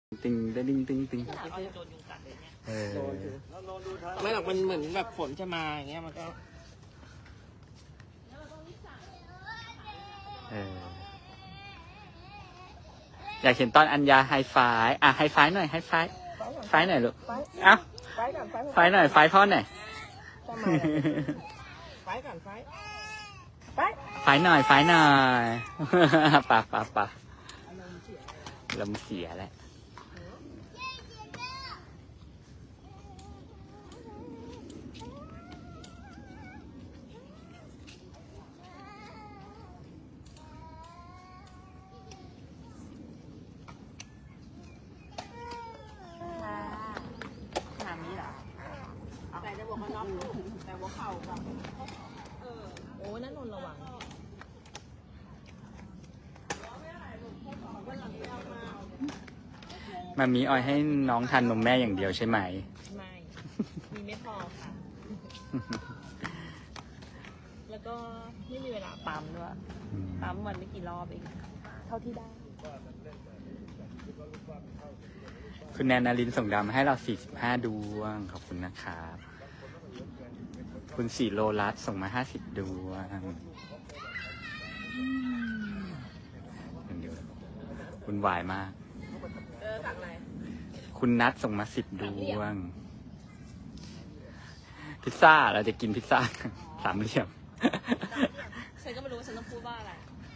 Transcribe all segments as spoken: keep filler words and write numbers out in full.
ติงติงติงติงเออไม่หรอกมันเหมือนแบบฝนจะมาอย่างเงี้ยมันก็เอออยากเห็นตอนอัญญาไฮไฟว์อ่ะไฮไฟว์หน่อยไฮไฟว์ไฟว์หน่อยลูกเอ้าไฟว์หน่อยไฟว์พ่อหน่อยไฟก่อนไฟไฟไฟว์หน่อยไฟว์หน่อยปะปะปะลมเสียแล้วแต่จะบอกว่าน็อตแต่ว่าเข่าแบบเออโอ้นั่นนนระวังมามีออยให้น้องทานนมแม่อย่างเดียวใช่ไหมไม่มีไม่พอค่ะแล้วก็ไม่มีเวลาปั๊มด้วยปั๊มวันไม่กี่รอบเองเท่าที่ได้คุณแนนนารินส่งดาวมาให้เราสี่สิบห้าดวงขอบคุณนะครับคุณสีโลรัสส่งมาห้าสิบดวงเดี๋ยวคุณวายมากเออสั่งอะไรคุณนัทส่งมาสิบดวงพิซซ่าเราจะกินพิซซ่าสามเหลี่ยมฉันก็ไม่รู้ว่าฉันต้องพูดว่าอะไร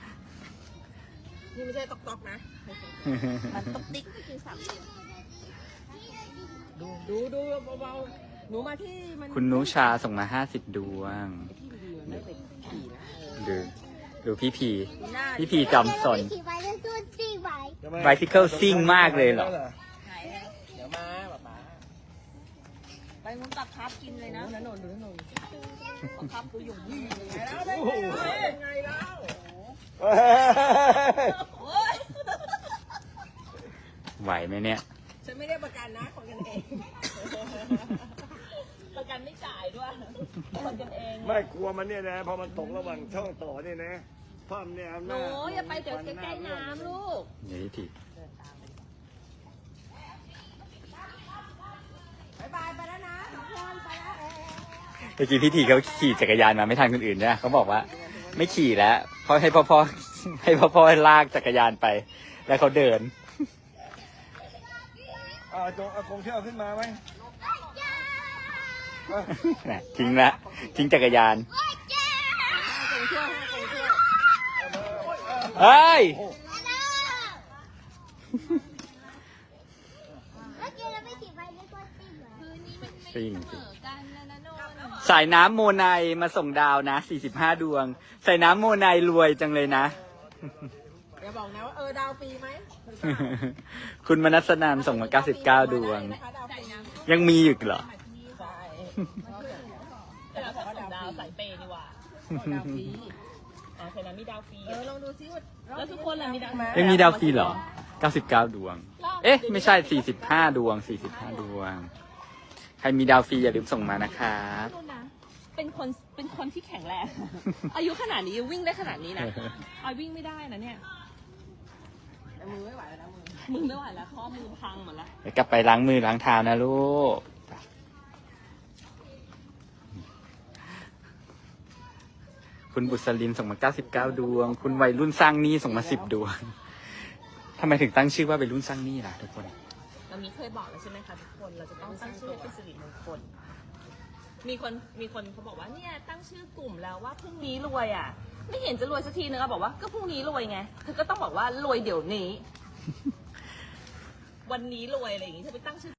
นี่ไม่ใช่ตอกตอกนะมันตอกติ๊กก็คือสามเหลี่ยมดูดูดูเบาๆหนูมาที่มันคุณนุชาส่งมาห้าสิบดวงดูดูพี่พีพี่พีจอมสนไบซิเคิลซิ่งมากเลยเหรอเดี๋ยวมาแบบมาไปมุนตักครับกินเลยนะนนดูนนตักครับดูอยู่ยี่ไงแล้วไงแล้วไหวไหมเนี่ยฉันไม่ได้ประกันนะคนกันเองประกันไม่จ่ายด้วยคนกันเองไม่กลัวมันเนี่ยนะพอมันตกระหว่างช่องต่อเนี่ยนะพ่อมเนี่ยหนูอย่าไปเดี๋ยวใกล้ๆน้ำลูกนี่ทีบายบายไปแล้วนะทุกคนไปแล้วเมื่อกี้พี่ทีเขาขี่จักรยานมาไม่ทันคนอื่นเนี่ยเขาบอกว่าไม่ขี่แล้วเพราะให้พ่อพ่อให้พ่อพ่อลากจักรยานไปแล้วเขาเดินอ่าโจอากงเที่ยวขึ้นมาไหมทิ้งละทิ้งจักรยานเฮ้ยซิ่งสายน้ำโมไนมาส่งดาวนะสี่สิบห้าดวงสายน้ำโมไนรวยจังเลยนะอย่าบอกนะว่าเออดาวฟรีไหมคุณมนัสนามส่งมาเก้าสิบเก้าดวงยังมีอยู่เหรอแต่เราส่งดาวสายเปย์ดีกว่าดาวฟรีอ๋อใช่แล้วมีดาวฟรีเออลองดูซิว่าแล้วทุกคนล่ะมีดาวยังมีดาวฟรีเหรอเก้าสิบเก้าดวงเอ๊ะไม่ใช่สี่สิบห้าดวงสี่สิบห้าดวงใครมีดาวฟรีอย่าลืมส่งมานะครับเป็นคนเป็นคนที่แข็งแรงอายุขนาดนี้ยังวิ่งได้ขนาดนี้นะออยวิ่งไม่ได้นะเนี่ยมือไม่ไหวแล้วมือมือไม่ไหวแล้วข้อมือพังหมดแล้วเดี๋ยวกลับไปล้างมือล้างเท้านะลูกคุณบุษลินส่งมาเก้าสิบเก้าดวงคุณวัยรุ่นสร้างหนี้ส่งมาสิบดวงทำไมถึงตั้งชื่อว่าวัยรุ่นสร้างหนี้ล่ะทุกคนเรามีเคยบอกแล้วใช่ไหมคะทุกคนเราจะต้องตั้งชื่อเป็นสิริมงคลมีคนมีคนเขาบอกว่าเนี่ยตั้งชื่อกลุ่มแล้วว่าพรุ่งนี้รวยอ่ะไม่เห็นจะรวยสักทีนึงอ่ะบอกว่าก็พรุ่งนี้รวยไงเธอก็ต้องบอกว่ารวยเดี๋ยวนี้วันนี้รวยอะไรอย่างงี้เธอไปตั้งชื่อ